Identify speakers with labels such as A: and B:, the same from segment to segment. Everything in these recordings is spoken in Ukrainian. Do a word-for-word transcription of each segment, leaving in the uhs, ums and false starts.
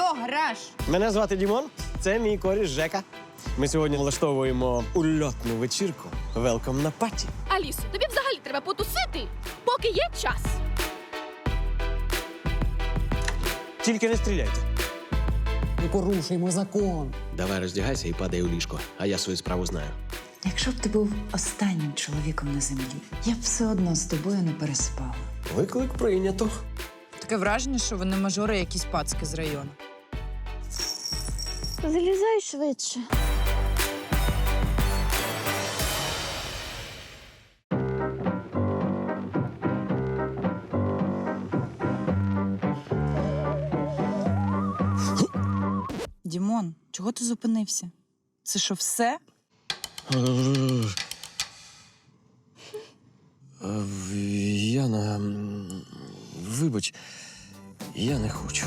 A: Алло, гараж!
B: Мене звати Дімон, це мій коріш Жека. Ми сьогодні влаштовуємо ульотну вечірку. Велком на паті.
C: Алісо, тобі взагалі треба потусити, поки є час.
B: Тільки не стріляйте.
D: Ми порушуємо закон.
B: Давай роздягайся і падай у ліжко, а я свою справу знаю.
E: Якщо б ти був останнім чоловіком на землі, я б все одно з тобою не переспала.
B: Виклик прийнято.
A: Таке враження, що вони мажори якісь пацки з району.
F: Залізай швидше.
A: Дімон, чого ти зупинився? Це що, все?
B: Яна, вибач, я не хочу.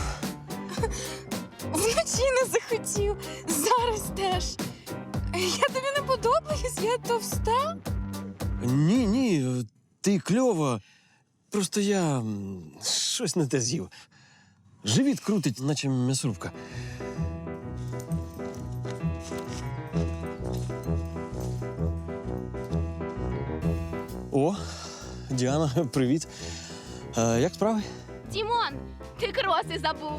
A: Вночі не захотів, зараз теж. Я тобі не подобаюсь, я товста.
B: Ні, ні, ти кльова. Просто я м, щось не те з'їв. Живіт крутить, наче м'ясорубка. О, Діана, привіт. Е, як справи?
C: Дімон, ти кроси забув.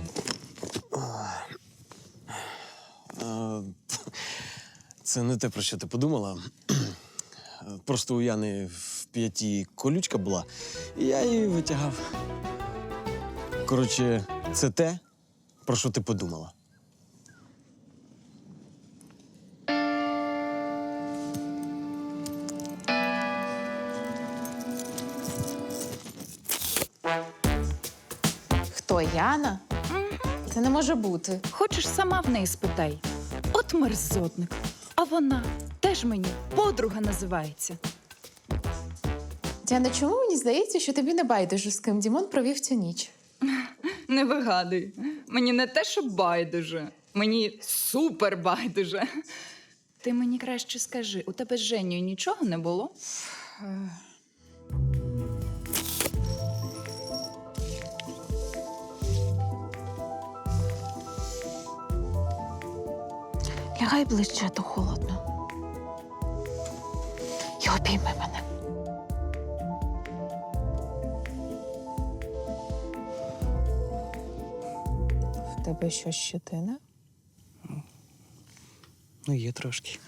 B: Е, це не те, про що ти подумала. Просто у Яни в п'яті колючка була, і я її витягав. Коротше, це те, про що ти подумала.
G: Хто, Яна? Це не може бути.
A: Хочеш, сама в неї спитай. От мерзотник. А вона теж мені подруга називається.
G: Діана, чому мені здається, що тобі не байдуже, з ким Дімон провів цю ніч?
A: Не вигадуй. Мені не те, що байдуже. Мені супер байдуже. Ти мені краще скажи, у тебе з Женєю нічого не було?
G: Лягай ближче, а то холодно. І обійми мене. В тебе що, щетина?
B: Ну, є трошки.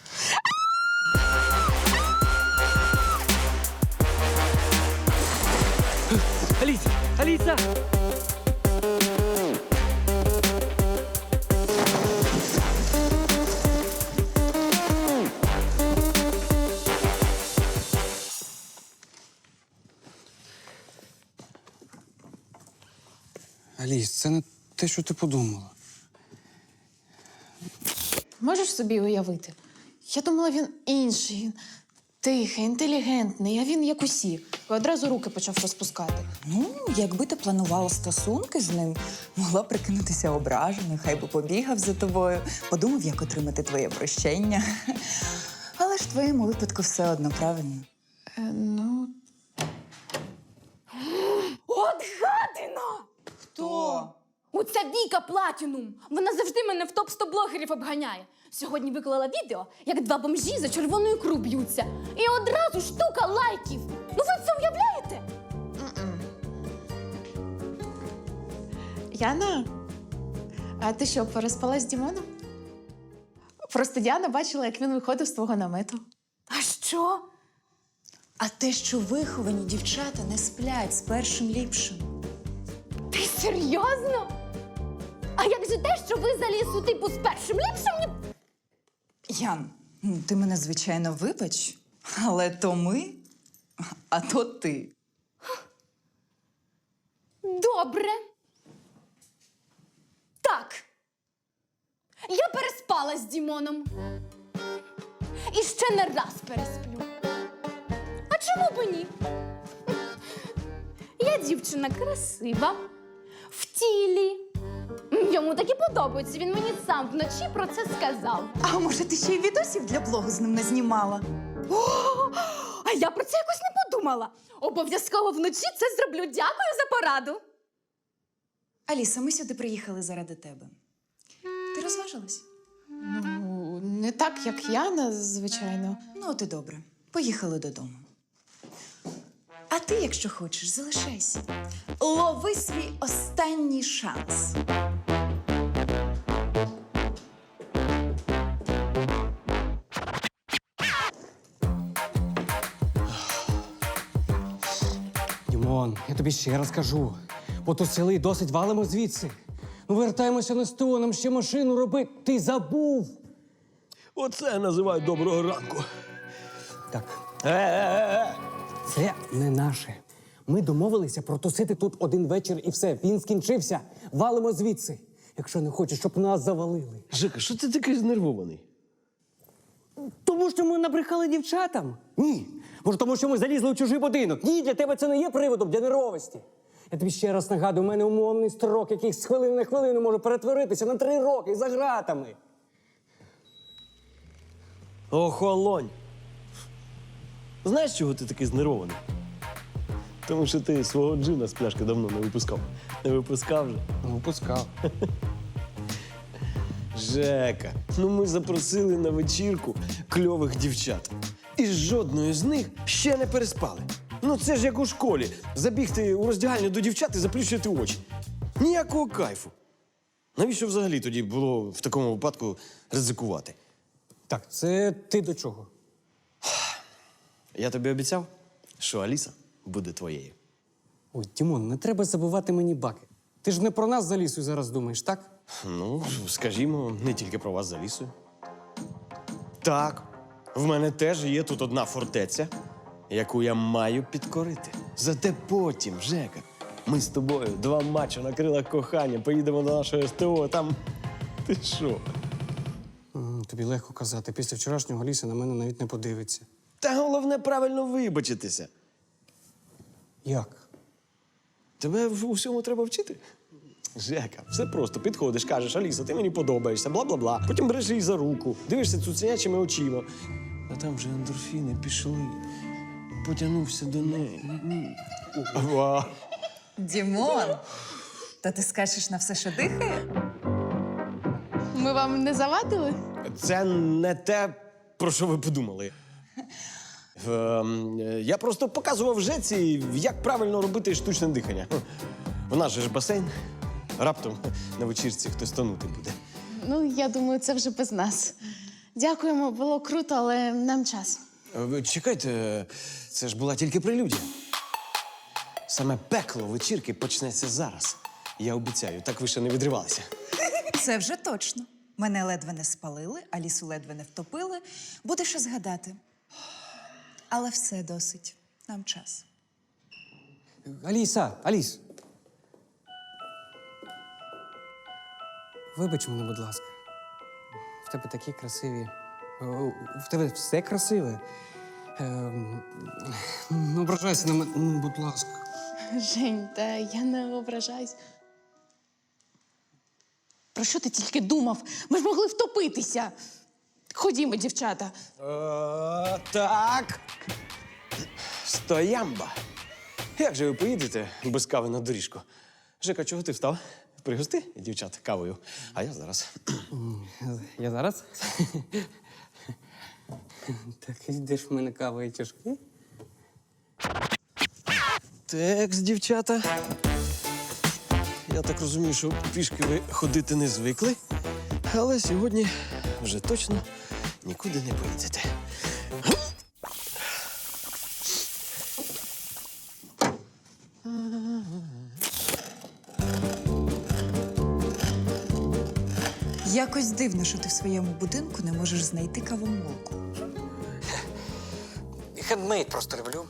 B: Аліса! Аліса!
D: Аліс, це не те, що ти подумала.
G: Можеш собі уявити? Я думала, він інший, він тихий, інтелігентний, а він як усі. І одразу руки почав розпускати.
E: Ну, якби ти планувала стосунки з ним, могла прикинутися ображеною, хай би побігав за тобою, подумав, як отримати твоє прощення. Але ж в твоєму випадку все одно правильно.
G: Е, ну,
C: От гадина!
E: Хто?
C: Оця Віка Платінум. Вона завжди мене в топ сто блогерів обганяє. Сьогодні виклала відео, як два бомжі за червоною ікру б'ються. І одразу штука лайків. Ну ви це уявляєте?
G: Яна, а ти що, переспала з Дімоном? Просто Діана бачила, як він виходив з твого намету.
C: А що?
E: А те, що виховані дівчата не сплять з першим ліпшим.
C: Ти серйозно? А як же те, що ви за лісу типу з першим ліпшим? ні-
E: Ян, ну, ти мене, звичайно, вибач, але то ми, а то ти.
C: Добре. Так. Я переспала з Дімоном. І ще не раз пересплю. А чому б ні? Я дівчина красива, в тілі. Йому так і подобається. Він мені сам вночі про це сказав.
E: А може, ти ще й відосів для блогу з ним не знімала?
C: О, а я про це якось не подумала. Обов'язково вночі це зроблю. Дякую за пораду.
E: Аліса, ми сюди приїхали заради тебе. Ти розважилась?
G: Ну, не так, як Яна, звичайно.
E: Ну, от і добре. Поїхали додому. А ти, якщо хочеш, залишайся. Лови свій останній шанс.
D: Дімон, я тобі ще раз кажу. Потусили і досить валимо звідси. Ну, вертаємося на СТО, нам ще машину робити. Ти забув.
B: Оце я називаю доброго ранку.
D: Так,
B: Е-е-е!
D: це не наше. Ми домовилися протусити тут один вечір і все. Він скінчився. Валимо звідси. Якщо не хочеш, щоб нас завалили.
B: Жека, що ти такий знервований?
D: Тому що ми набрехали дівчатам? Ні. Може, тому що ми залізли у чужий будинок? Ні, для тебе це не є приводом для нервовості. Я тобі ще раз нагадую, у мене умовний строк, який з хвилини на хвилину може перетворитися на три роки за ґратами.
B: Охолонь! Знаєш, чого ти такий знервований? Тому що ти свого джина з пляшки давно не випускав. Не випускав же.
D: Ну, випускав.
B: Жека, ну ми запросили на вечірку кльових дівчат. І жодної з них ще не переспали. Ну це ж як у школі. Забігти у роздягальню до дівчат і заплющити очі. Ніякого кайфу. Навіщо взагалі тоді було в такому випадку ризикувати?
D: Так, це ти до чого?
B: Я тобі обіцяв, що Аліса буде твоєю.
D: Ой, Дімон, не треба забувати мені баки. Ти ж не про нас за лісою зараз думаєш, так?
B: Ну, скажімо, не тільки про вас за лісою. Так, в мене теж є тут одна фортеця, яку я маю підкорити. Зате потім, Жека, ми з тобою два матчі на крилах кохання, поїдемо до нашого СТО, а там. Ти що?
D: М, Тобі легко казати. Після вчорашнього Ліса на мене навіть не подивиться.
B: Та головне правильно вибачитися.
D: Як?
B: Тебе в усьому треба вчити. Жека, все просто. Підходиш, кажеш, Аліса, ти мені подобаєшся, бла-бла-бла. Потім береш її за руку, дивишся цуценячими очима. А там вже ендорфіни пішли. Потягнувся до неї. Ва.
E: Дімон, то ти скачеш на все, що дихає?
G: Ми вам не завадили?
B: Це не те, про що ви подумали. Ем, я просто показував Жеці, як правильно робити штучне дихання. У нас же ж басейн. Раптом на вечірці хтось тонути буде.
G: Ну, я думаю, це вже без нас. Дякуємо, було круто, але нам час.
B: Е, ви Чекайте, це ж була тільки прелюдія. Саме пекло вечірки почнеться зараз. Я обіцяю, так ви ще не відривалися.
E: Це вже точно. Мене ледве не спалили, Алісу ледве не втопили. Буде що згадати. Але все досить. Нам час.
D: Аліса, Аліс. Вибач мене, будь ласка. В тебе такі красиві. О, в тебе все красиве. Ем, Не ображайся на мене, ну, будь ласка.
G: Жень, та я не ображаюсь. Про що ти тільки думав? Ми ж могли втопитися. Ходімо, дівчата.
B: Е, так. Стоямба. Як же ви поїдете без кави на доріжку? Жека, чого ти встав? Пригости дівчат кавою, а я зараз.
D: Я зараз? Так, йдеш в мене кава і тяжки?
B: Текс, дівчата. Я так розумію, що пішки ви ходити не звикли, але сьогодні вже точно нікуди не поїдете.
E: Якось дивно, що ти в своєму будинку не можеш знайти кавомолку.
D: Хендмейд просто люблю.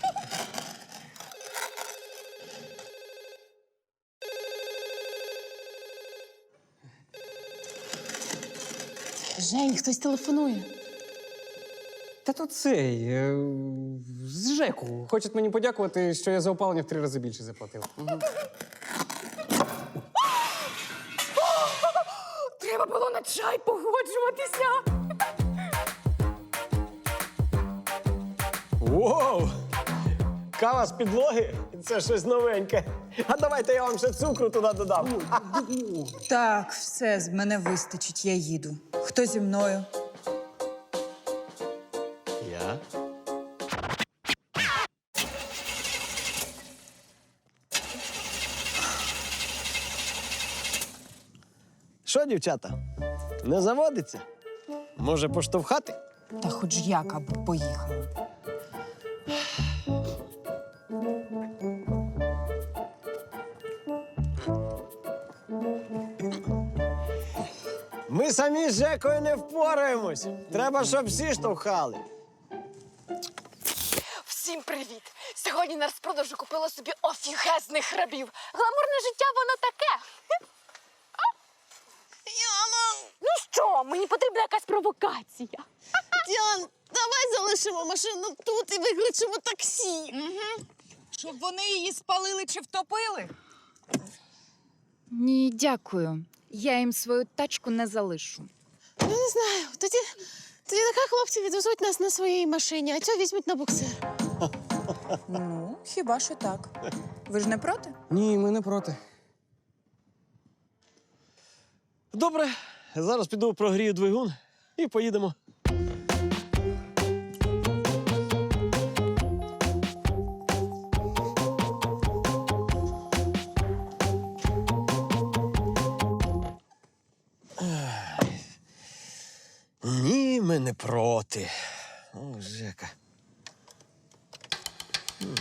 G: Жень, хтось телефонує.
D: Та то цей, е, з ЖЕКу. Хочуть мені подякувати, що я за опалення в три рази більше заплатив.
C: Треба було на чай погоджуватися.
B: Воу! Кава з підлоги це щось новеньке. А давайте я вам ще цукру туди додам.
E: Так, все, з мене вистачить, я їду. Хто зі мною?
B: Я? Що, дівчата, не заводиться? Може, поштовхати?
E: Та хоч як, аби поїхали.
B: Ми самі з Жекою не впораємось. Треба, щоб всі штовхали.
C: Всім привіт! Сьогодні на розпродажу купила собі офігезних рабів. Гламурне життя воно таке.
F: Діана,
C: Ну що, мені потрібна якась провокація.
F: Діан, давай залишимо машину тут і викличемо таксі.
E: Щоб вони її спалили чи втопили?
A: Ні, дякую. Я їм свою тачку не залишу.
F: Ну, не знаю. Тоді, тоді нехай хлопці відвезуть нас на своїй машині, а цього візьмуть на буксир.
E: Ну, хіба що так. Ви ж не проти?
D: Ні, ми не проти.
B: Добре, зараз піду прогрію двигун і поїдемо. Ні, ми не проти. О, Жека. М.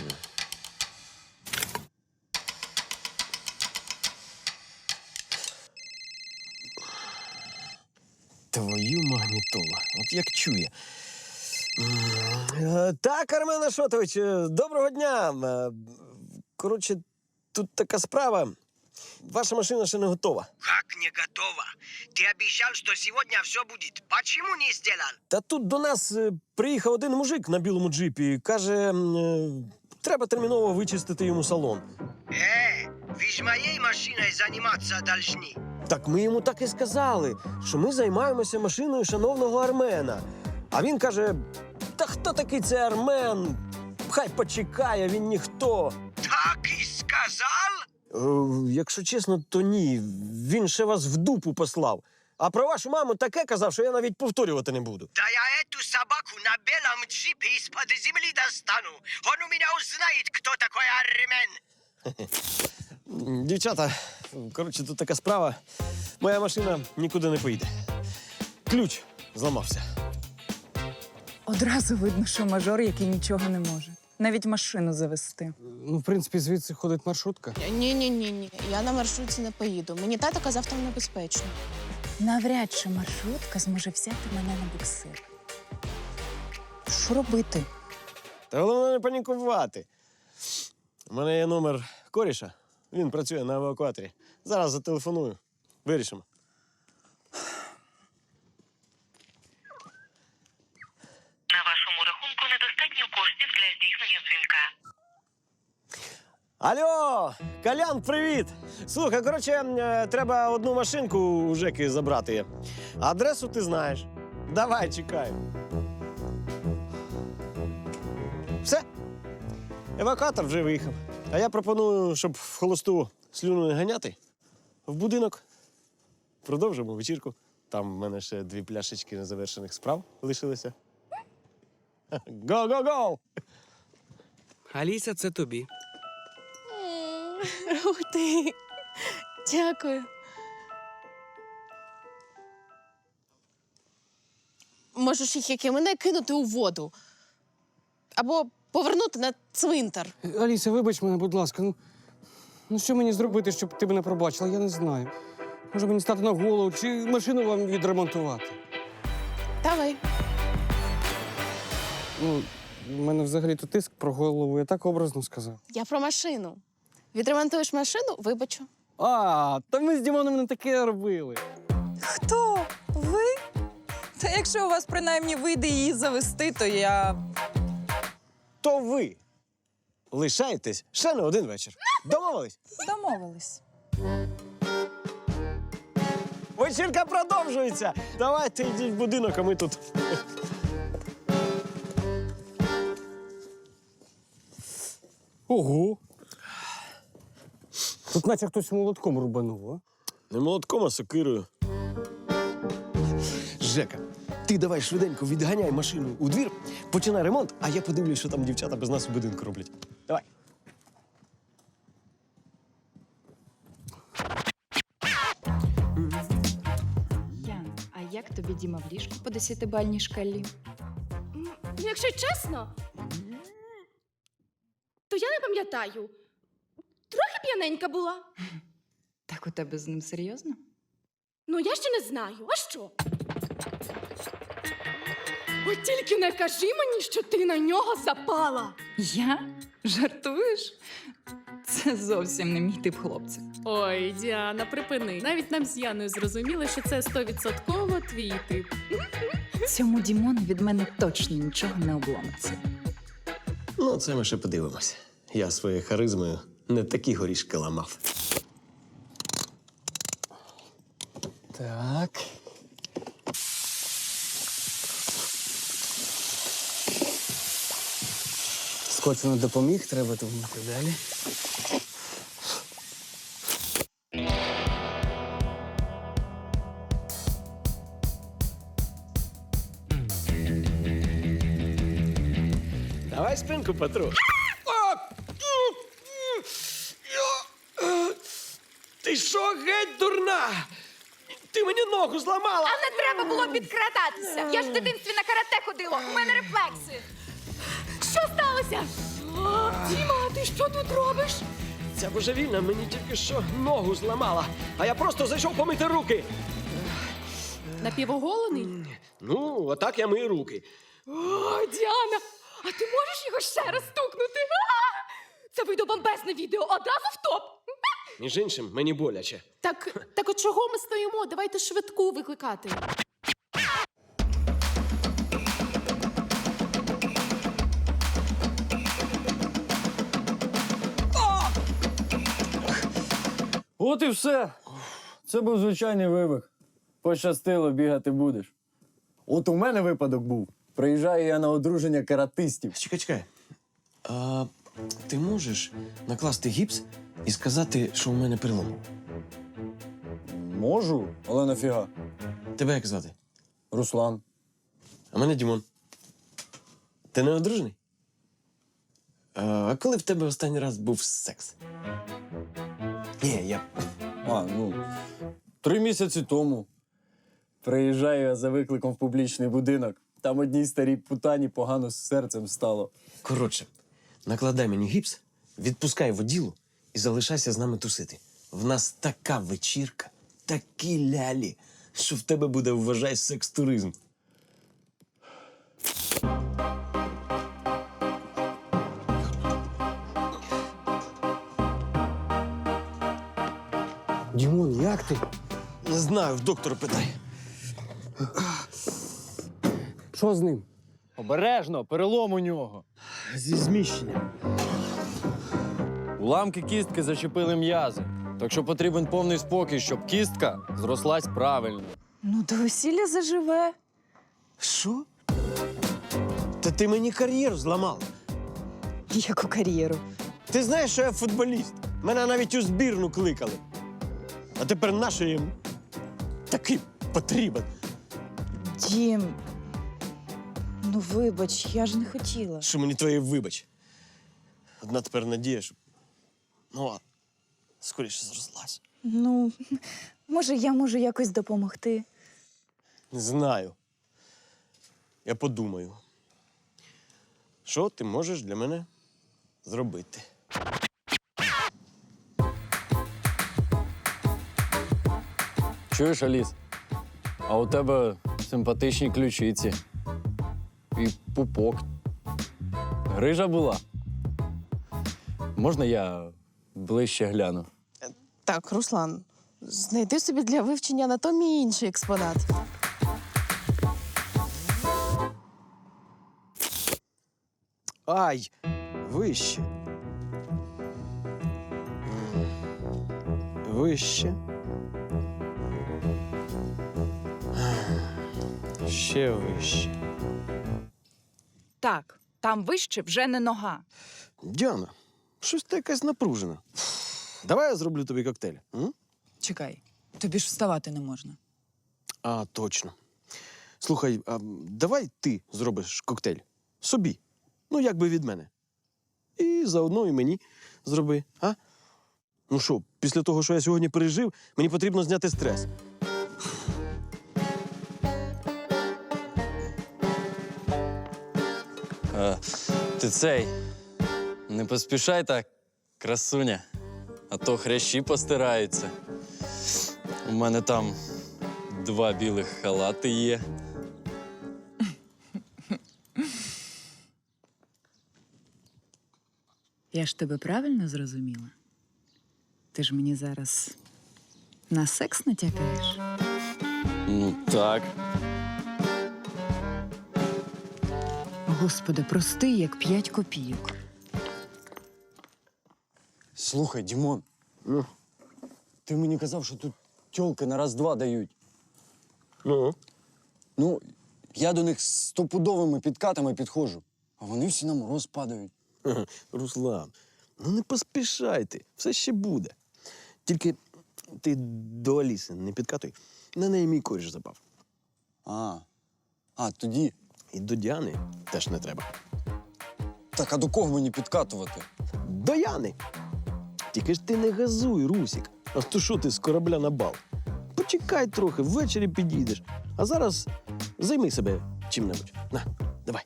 B: Твою магнітолу. От як чує. М, е, Так, Армен Ашотович, е, доброго дня. Е, Коротше, тут така справа. Ваша машина ще не готова.
H: Как не готово? Ты обещал, что сегодня все будет. Почему не сделал?
B: Та тут до нас е, приїхав один мужик на білому джипі і каже, м, е, треба терміново вичистити йому салон.
H: Э, вы с моей машиной заниматься должны.
B: Так ми йому так і сказали, що ми займаємося машиною шановного Армена. А він каже: та хто такий цей Армен? Хай почекає, він ніхто.
H: Так и сказал?
B: Е, якщо чесно, то ні. Він ще вас в дупу послав. А про вашу маму таке казав, що я навіть повторювати не буду.
H: Да я эту собаку на белом джипе из-под земли достану. Он у меня узнает, кто такой Армен.
B: М, Дівчата, коротше, тут така справа. Моя машина нікуди не поїде. Ключ зламався.
E: Одразу видно, що мажор, який нічого не може. Навіть машину завести.
D: Ну, в принципі, звідси ходить маршрутка.
F: Ні-ні-ні, я на маршрутці не поїду. Мені тато казав, там небезпечно.
E: Навряд чи маршрутка зможе взяти мене на буксир. Що робити?
B: Та головне не панікувати. У мене є номер коріша. Він працює на евакуаторі. Зараз зателефоную. Вирішимо.
I: На вашому рахунку недостатньо коштів для здійснення дзвінка.
B: Алло, Колян, привіт! Слухай, коротше, е, треба одну машинку у Жеки забрати. Адресу ти знаєш. Давай, чекаю. Все. Евакуатор вже виїхав. А я пропоную, щоб в холосту слюну не ганяти, в будинок. Продовжимо вечірку. Там в мене ще дві пляшечки незавершених справ лишилися. Го-го-го!
J: Аліса, це тобі.
F: Ух ти. Дякую. Можеш їх, як і мене, кинути у воду. Або повернути на цвинтар.
D: Аліса, вибач мене, будь ласка. Ну, ну що мені зробити, щоб ти мене пробачила? Я не знаю. Може мені стати на голову чи машину вам відремонтувати?
F: Давай.
D: Ну, в мене взагалі-то тиск про голову, я так образно сказав.
F: Я про машину. Відремонтуєш машину, вибачу.
D: А, та ми з Дімоном не таке робили.
E: Хто? Ви? Та якщо у вас принаймні вийде її завести, то я.
B: То ви лишаєтесь ще на один вечір. Домовились?
E: Домовились.
B: Вечірка продовжується. Давайте йдіть в будинок, а ми тут.
D: Ого. Тут наче хтось молотком рубанув, а?
B: Не молотком, а сокирою. Жека, ти давай швиденько відганяй машину у двір, починай ремонт, а я подивлюсь, що там дівчата без нас у будинку роблять. Давай.
A: Ян, а як тобі Діма в ліжку по десятибальній шкалі?
C: Ну, якщо чесно, то я не пам'ятаю. Трохи п'яненька була.
A: Так у тебе з ним серйозно?
C: Ну, я ще не знаю. А що? От тільки не кажи мені, що ти на нього запала.
A: Я? Жартуєш? Це зовсім не мій тип хлопця.
K: Ой, Діана, припини. Навіть нам з Яною зрозуміли, що це стовідсотково твій тип.
A: Цьому Дімону від мене точно нічого не обломиться.
B: Ну, це ми ще подивимося. Я своєю харизмою не такі горішки ламав.
D: Так. Скотч не допоміг, треба думати далі.
B: Давай спинку потру. Ти що, геть дурна? Ти мені ногу зламала!
C: Не треба було підкрадатися. Я ж в дитинстві на карате ходила. У мене рефлекси. Що сталося? О, Діма, ти що тут робиш?
B: Ця божевільна мені тільки що ногу зламала, а я просто зайшов помити руки.
K: Напівоголений?
B: Ну, отак я мию руки.
C: О, Діана, а ти можеш його ще раз стукнути? А! Це вийде бомбезне відео, одразу в топ.
B: Між іншим, мені боляче.
K: Так, так от чого ми стоїмо? Давайте швидку викликати.
L: От і все. Це був звичайний вибух. Пощастило, бігати будеш. От у мене випадок був. Приїжджаю я на одруження каратистів.
B: Чекай, чекай. А, ти можеш накласти гіпс і сказати, що у мене перелом?
L: Можу, але нафіга.
B: Тебе як звати?
L: Руслан.
B: А мене Дімон. Ти не одружений? А коли в тебе останній раз був секс? Ні, я.
L: А, ну, три місяці тому. Приїжджаю я за викликом в публічний будинок. Там одній старій путані погано з серцем стало.
B: Коротше, накладай мені гіпс, відпускай воділу і залишайся з нами тусити. В нас така вечірка, такі лялі, що в тебе буде, вважай, секс-туризм.
D: Дімон, як ти?
B: Не знаю, в доктора питай.
D: Що з ним?
L: Обережно, перелом у нього.
B: Зі зміщенням.
L: Уламки кістки зачепили м'язи. Так що потрібен повний спокій, щоб кістка зрослась правильно.
A: Ну, до весілля заживе.
B: Що? Та ти мені кар'єру зламала.
A: Яку кар'єру?
B: Ти знаєш, що я футболіст. Мене навіть у збірну кликали. А тепер нащо їм такий потрібен?
A: Дім, ну вибач, я ж не хотіла.
B: Що мені твоє вибач? Одна тепер надія, що... Ну, а скоріше зрослась.
A: Ну, може, я можу якось допомогти.
B: Не знаю. Я подумаю. Що ти можеш для мене зробити?
L: Чуєш, Аліс? А у тебе симпатичні ключиці. І пупок. Грижа була. Можна я ближче гляну?
G: Так, Руслан, знайди собі для вивчення анатомії інший експонат.
B: Ай! Вище. Вище. Ще вище.
A: Так, там вище вже не нога.
B: Діана, Щось ти якась напружена. Давай я зроблю тобі коктейль. М?
E: Чекай, тобі ж вставати не можна.
B: А, точно. Слухай, а давай ти зробиш коктейль собі. Ну, якби від мене. І заодно і мені зроби, а? Ну що, після того, що я сьогодні пережив, мені потрібно зняти стрес.
L: Е, ти цей. Не поспішай так, красуня. А то хрящі постираються. У мене там два білих халати є.
E: Я ж тебе правильно зрозуміла? Ти ж мені зараз на секс натякаєш?
L: Ну так.
E: Господи, простий, як п'ять копійок.
L: Слухай, Дімон,
B: Ну,
L: ти мені казав, що тут тьолки на раз-два дають.
B: ну.
L: Ну, я до них з стопудовими підкатами підходжу, а вони всі на мороз падають.
B: Ха-ха, Руслан, ну не поспішайте, все ще буде. Тільки ти до Аліси не підкатуй, на неї мій коріш запав.
L: А, а тоді.
B: І до Діани теж не треба.
L: Так, а до кого мені підкатувати?
B: До Яни. Тільки ж ти не газуй, Русік. А то що ти з корабля на бал? Почекай трохи, ввечері підійдеш. А зараз займи себе чим-небудь. На, давай.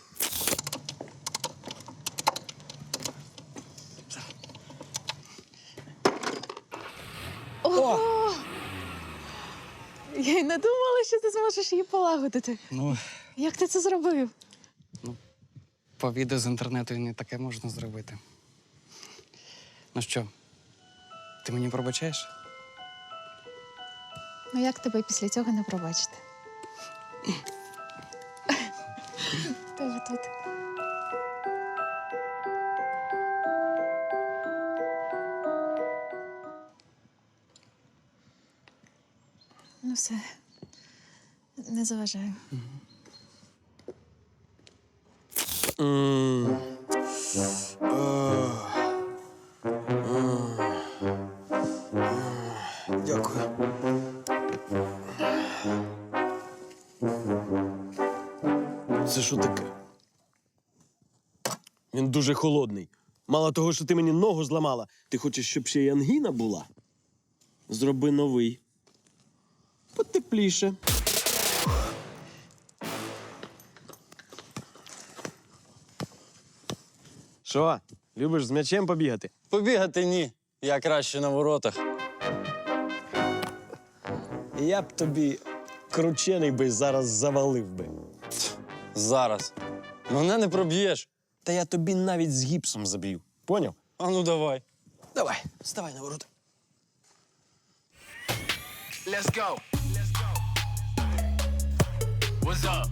G: Я й не думала, що ти зможеш її полагодити.
J: Ну,
G: Як ти це зробив?
J: по відео з інтернету і не таке можна зробити. Ну що, ти мені пробачаєш?
G: Ну як тебе після цього не пробачити? Тебе тут. Ну все. Не заважаю.
B: М. Ах. Ах. Дякую. Це що таке? Він дуже холодний. Мало того, що ти мені ногу зламала, ти хочеш, щоб ще й ангіна була? Зроби новий. Потепліше. Що, любиш з м'ячем побігати?
L: Побігати ні. Я краще на воротах.
B: Я б тобі кручений би зараз завалив би.
L: Зараз. Мене не проб'єш.
B: Та я тобі навіть з гіпсом заб'ю. Поняв?
L: А ну давай.
B: Давай, вставай на ворота.
H: Let's go. What's up?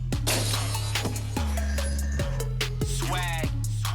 H: Swag.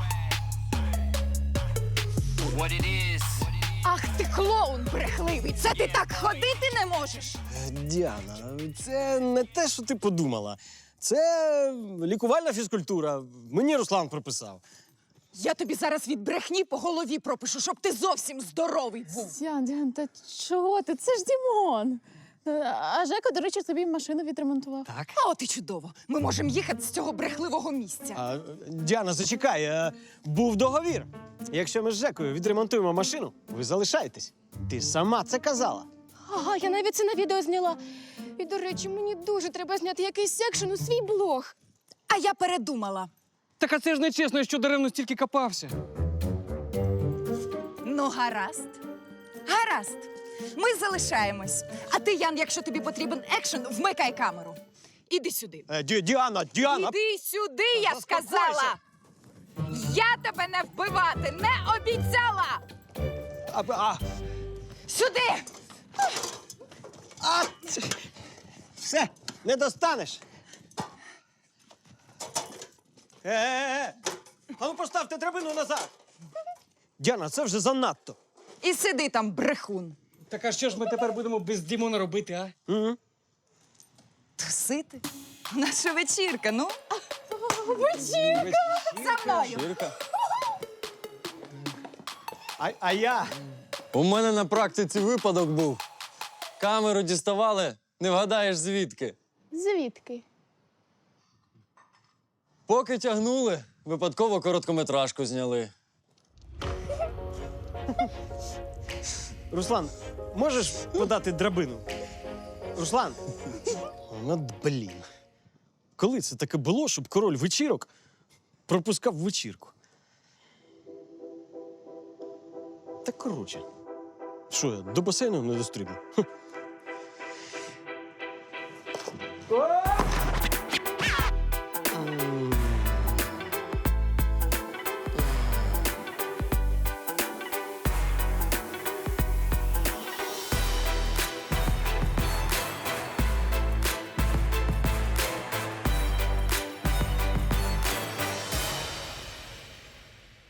H: What it is.
A: Ах ти клоун брехливий! Це ти так ходити не можеш!
B: Діана, це не те, що ти подумала. Це лікувальна фізкультура. Мені Руслан прописав.
A: Я тобі зараз від брехні по голові пропишу, щоб ти зовсім здоровий був.
G: Діан, Діан, та чого ти? Це ж Дімон. А Жека, до речі, тобі машину відремонтував.
J: Так.
A: А от і чудово. Ми можемо їхати з цього брехливого місця.
B: А, Діана, зачекай, а, був договір. Якщо ми з Жекою відремонтуємо машину, ви залишаєтесь. Ти сама це казала.
C: Ага, я навіть це на відео зняла. І, до речі, мені дуже треба зняти якийсь секшн у свій блог.
A: А я передумала.
J: Так а це ж нечесно, що даремно стільки копався.
A: Ну, гаразд. Гаразд. Ми залишаємось. А ти, Ян, якщо тобі потрібен екшен, вмикай камеру. Іди сюди.
B: Е, Ді- Діана, Діана!
A: Іди сюди, я
B: Заспокойся.
A: сказала. Я тебе не вбивати не обіцяла.
B: А, а,
A: Сюди.
B: а, це- все, не достанеш. Е-е-е! А ну поставте драбину назад. Діана, це вже занадто.
A: І сиди там, брехун.
J: Так а що ж ми тепер будемо без Дімона робити, а?
B: Угу.
A: Тусити? Наша вечірка, ну.
L: Вечірка.
A: За мною.
L: Вечірка.
B: А, а я.
L: У мене на практиці випадок був. Камеру діставали, не вгадаєш звідки.
F: Звідки?
L: Поки тягнули, випадково короткометражку зняли.
B: Руслан, можеш подати драбину? Руслан. Ну, блін. Коли це таке було, щоб король вечірок пропускав вечірку? Та коротше. Що я, до басейну не дострибну? Хм.